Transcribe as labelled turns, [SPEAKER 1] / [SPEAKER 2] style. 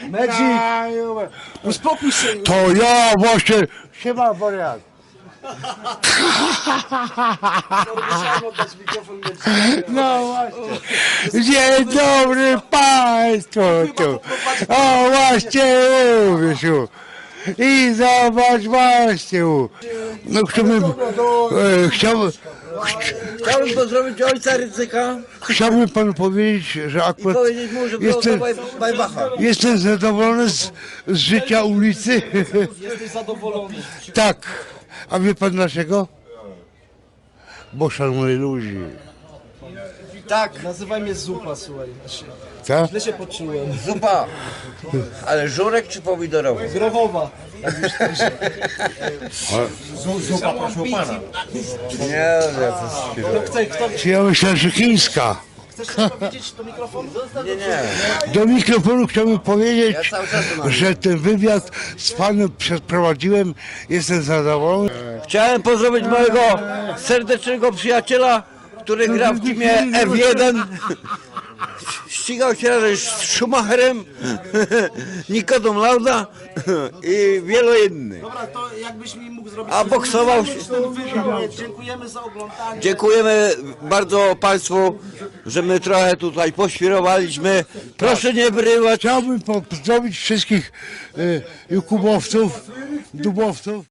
[SPEAKER 1] Medzik! Uspokój się!
[SPEAKER 2] To ja właśnie... Siema, wariat.
[SPEAKER 1] Musiałem oddać mikrofon Medzikowi.
[SPEAKER 2] No właśnie. Dzień dobry Państwu tu. O, właśnie mówisz. I zobacz właśnie. No
[SPEAKER 3] Chciałbym pozdrowić ojca Rydzyka
[SPEAKER 2] chciałbym panu powiedzieć, że
[SPEAKER 3] i
[SPEAKER 2] akurat
[SPEAKER 3] powiedzieć mu, że było to Bajbacha.
[SPEAKER 2] jestem zadowolony z życia ulicy.
[SPEAKER 1] Jesteś zadowolony.
[SPEAKER 2] Tak. A wie pan dlaczego? Bo szanuję ludzi.
[SPEAKER 3] Tak,
[SPEAKER 1] Nazywaj mnie Zupa, słuchaj.
[SPEAKER 2] Tak?
[SPEAKER 1] Źle się poczułem.
[SPEAKER 3] zupa. Ale żurek czy pomidorowy?
[SPEAKER 1] Grochowa.
[SPEAKER 4] Zupa, proszę pana.
[SPEAKER 3] Nie,
[SPEAKER 1] Kto
[SPEAKER 2] Czy ja myślałem, że chińska.
[SPEAKER 1] chcesz coś powiedzieć do mikrofonu?
[SPEAKER 3] nie.
[SPEAKER 2] Do mikrofonu chciałbym powiedzieć,
[SPEAKER 3] Ja cały czas mam.
[SPEAKER 2] że ten wywiad z panem przeprowadziłem. Jestem zadowolony.
[SPEAKER 3] Chciałem pozdrowić mojego serdecznego przyjaciela, który gra w teamie F1. Ścigał się razem z Schumacherem, Nikodem Lauda i wielu innych.
[SPEAKER 1] Dobra, to jakbyś mi mógł zrobić...
[SPEAKER 3] A boksował się.
[SPEAKER 1] ten wywiad. Dziękujemy za oglądanie.
[SPEAKER 3] Dziękujemy bardzo Państwu, że my trochę tutaj poświrowaliśmy. Proszę nie wyrywać.
[SPEAKER 2] Chciałbym pozdrowić wszystkich Jakubowców, Dubowców.